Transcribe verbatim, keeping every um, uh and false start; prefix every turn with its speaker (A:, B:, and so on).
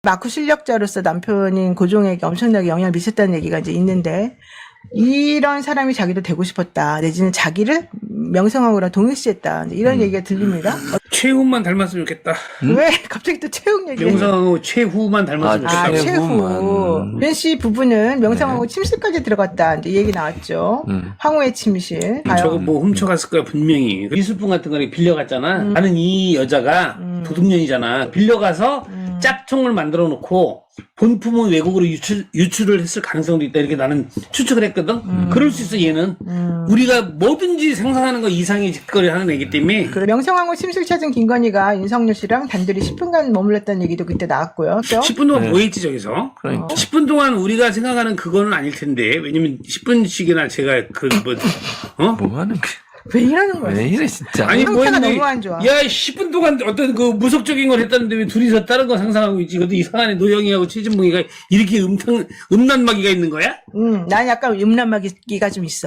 A: 마쿠 실력자로서 남편인 고종에게 엄청나게 영향을 미쳤다는 얘기가 이제 있는데, 이런 사람이 자기도 되고 싶었다. 내지는 자기를 명성황후랑 동일시했다. 이제 이런
B: 음.
A: 얘기가 들립니다. 어,
C: 최후만 닮았으면 좋겠다.
A: 왜 갑자기 또 최욱 얘기?
C: 명성황후 최후만 닮았으면
B: 아,
A: 아,
C: 좋겠다.
B: 최후만.
A: 최후. 변 씨 부부는 명성황후 침실까지 들어갔다. 이제 이 얘기 나왔죠.
B: 음.
A: 황후의 침실.
C: 저거
A: 과연
C: 뭐 훔쳐갔을 거야 분명히. 미술품 같은 거를 빌려갔잖아.
A: 음.
C: 나는 이 여자가 도둑년이잖아. 빌려가서
A: 음.
C: 짝퉁을 만들어 놓고 본품은 외국으로 유출, 유출을 했을 가능성도 있다. 이렇게 나는 추측을 했거든. 그럴 수 있어 얘는.
A: 음.
C: 우리가 뭐든지 상상하는 거 이상의 짓거리 하는 애기 때문에.
A: 그리고 명성황후 침실 찾은 김건희가 윤석열 씨랑 단둘이 십 분간 머물렀다는 얘기도 그때 나왔고요. 그렇죠?
C: 십 분 동안
B: 네.
C: 뭐 했지 저기서?
B: 그러니까.
A: 어.
C: 십 분 동안 우리가 생각하는 그거는 아닐 텐데. 왜냐면 십 분씩이나 제가 그 뭐, 어?
B: 뭐 하는 게.
A: 왜 이러는 거야?
B: 왜 이래, 진짜.
C: 아니 뭐
A: 상태가
C: 했는데
A: 너무 안 좋아.
C: 야 십 분 동안 어떤 그 무속적인 걸 했다는데 왜 둘이서 다른 거 상상하고 있지? 그것도 이상하네. 노영이하고 최진봉이가 이렇게 음탕 음란마귀가 있는 거야?
A: 음, 난 약간 음란마귀가 좀 있어.